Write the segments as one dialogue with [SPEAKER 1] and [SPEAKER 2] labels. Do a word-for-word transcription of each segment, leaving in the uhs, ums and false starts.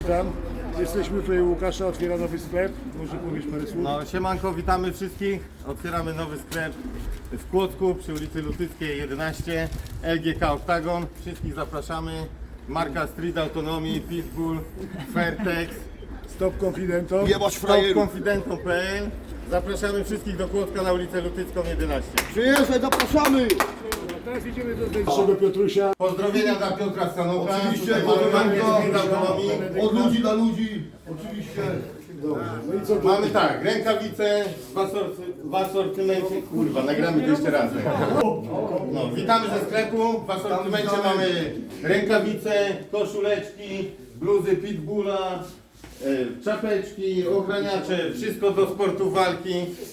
[SPEAKER 1] Tam jesteśmy tutaj u Łukasza, otwiera nowy sklep. Może powiesz parę słów?
[SPEAKER 2] No, siemanko, witamy wszystkich. Otwieramy nowy sklep w Kłodzku przy ulicy Lutyckiej jedenaście, L G K Octagon. Wszystkich zapraszamy. Marka Street Autonomy, Pitbull, Fairtex,
[SPEAKER 1] Stop Confidentom.
[SPEAKER 3] Jebać
[SPEAKER 2] Stop
[SPEAKER 3] frajerów.
[SPEAKER 2] Confidentom kropka p l. Zapraszamy wszystkich do Kłodzka na ulicę Lutycką jedenaście.
[SPEAKER 3] Przyjeżdżaj, zapraszamy!
[SPEAKER 1] Teraz idziemy do naszego Piotrusia.
[SPEAKER 2] Pozdrowienia dla Piotra Stanoka.
[SPEAKER 3] Oczywiście,
[SPEAKER 2] Tutaj mamy markę
[SPEAKER 3] pozdrowionka.
[SPEAKER 2] Street Autonomy.
[SPEAKER 3] Od ludzi dla ludzi, oczywiście.
[SPEAKER 1] Dobrze. No i co tu?
[SPEAKER 2] Mamy tak, rękawice w asorty- w asortymencie. Kurwa, nagramy to jeszcze raz. No, witamy ze sklepu. W asortymencie mamy rękawice, koszuleczki, bluzy Pitbulla, e, czapeczki, ochraniacze, wszystko do sportu walki.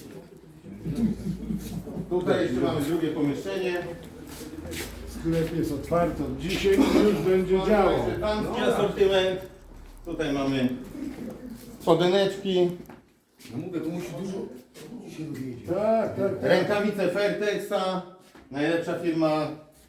[SPEAKER 2] Tutaj jeszcze mamy drugie pomieszczenie.
[SPEAKER 1] Sklep jest otwarty od dzisiaj, już będzie działo.
[SPEAKER 2] Jeszcze Pański asortyment. Tutaj mamy spodeneczki,
[SPEAKER 3] No mówię, to musi dużo się dowiedzieć.
[SPEAKER 1] Tak, tak, tak.
[SPEAKER 2] rękawice Fairtexa, najlepsza firma.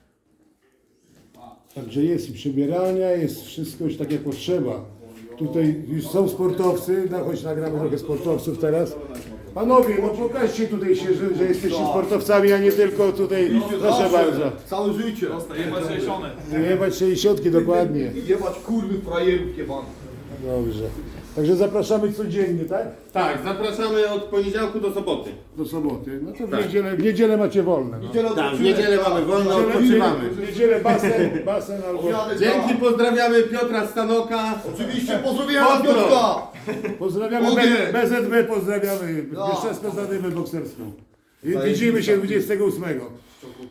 [SPEAKER 1] Także jest i przebierania, jest wszystko już tak jak potrzeba. Tutaj już są sportowcy, no choć nagramy trochę sportowców teraz. Panowie, no pokażcie tutaj się, że, że jesteście sportowcami, a nie tylko tutaj, proszę bardzo.
[SPEAKER 3] Całe życie.
[SPEAKER 1] Jebać sześćdziesiątki dokładnie.
[SPEAKER 3] Jebać kurwy frajerów jebanych.
[SPEAKER 1] Dobrze. Także zapraszamy codziennie, tak?
[SPEAKER 2] Tak, zapraszamy od poniedziałku do soboty.
[SPEAKER 1] Do soboty. No to w
[SPEAKER 2] Tak.
[SPEAKER 1] niedzielę, w niedzielę macie wolne. No.
[SPEAKER 3] Niedziela
[SPEAKER 2] Tak, w niedzielę mamy wolno,
[SPEAKER 1] W
[SPEAKER 2] odpoczywamy.
[SPEAKER 1] niedzielę basen, basen albo...
[SPEAKER 2] Dzięki, pozdrawiamy Piotra Stanoka.
[SPEAKER 3] Oczywiście pozdrowienia dla
[SPEAKER 2] Pozdro.
[SPEAKER 3] Piotrka!
[SPEAKER 1] Pozdrawiamy
[SPEAKER 3] Ogień.
[SPEAKER 1] B- B Z B, pozdrawiamy
[SPEAKER 3] No.
[SPEAKER 1] Bieszczadzką Zadymę Bokserską. I widzimy się dwudziestego ósmego.